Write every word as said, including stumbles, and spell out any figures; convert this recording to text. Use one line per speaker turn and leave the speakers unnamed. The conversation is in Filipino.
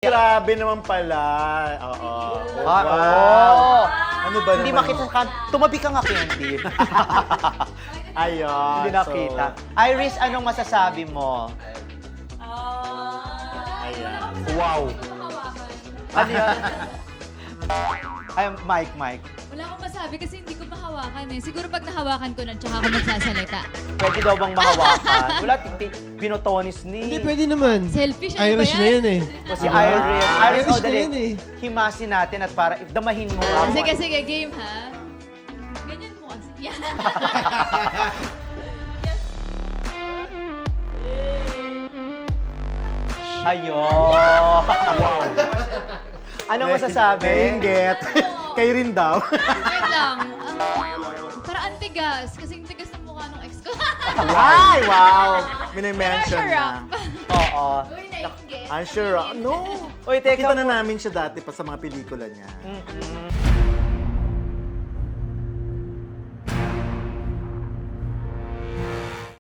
Grabe naman pala. Oo.
Ah, oo.
Ano ba
Hindi
naman?
makita ka. Tumabi ka nga, Candy.
Ayun.
Hindi nakita. Iris, anong masasabi mo?
Ayan.
Wow. Ano yan? Ay, Mike, Mike.
Wala akong masabi kasi hindi ko mahawakan eh. Siguro pag nahawakan ko na, tsaka ako magsasalita.
Pwede daw bang mahawakan? Wala, tiktik, pinotonis ni...
Hindi, pwede naman.
Selfish, ano
Irish
ba
na
yan?
yan eh.
O si Iris. Iris,
Irish
oh,
na
dali.
yan eh.
Himasin natin at para damahin mo nga.
Sige, sige, game ha. Ganyan mo kasi. Yan.
Ayun. Anong masasabi?
Nainggit. Kayo rin daw.
Wait lang. Um, para antigas. Kasi yung tigas ng mukha ng ex ko.
Ay, wow. Minimension
Pressure
na.
up.
Oo.
Uy, nainggit.
I'm sure. No.
Uy, teka
Kita na namin siya dati pa sa mga pelikula niya.
Mm-mm.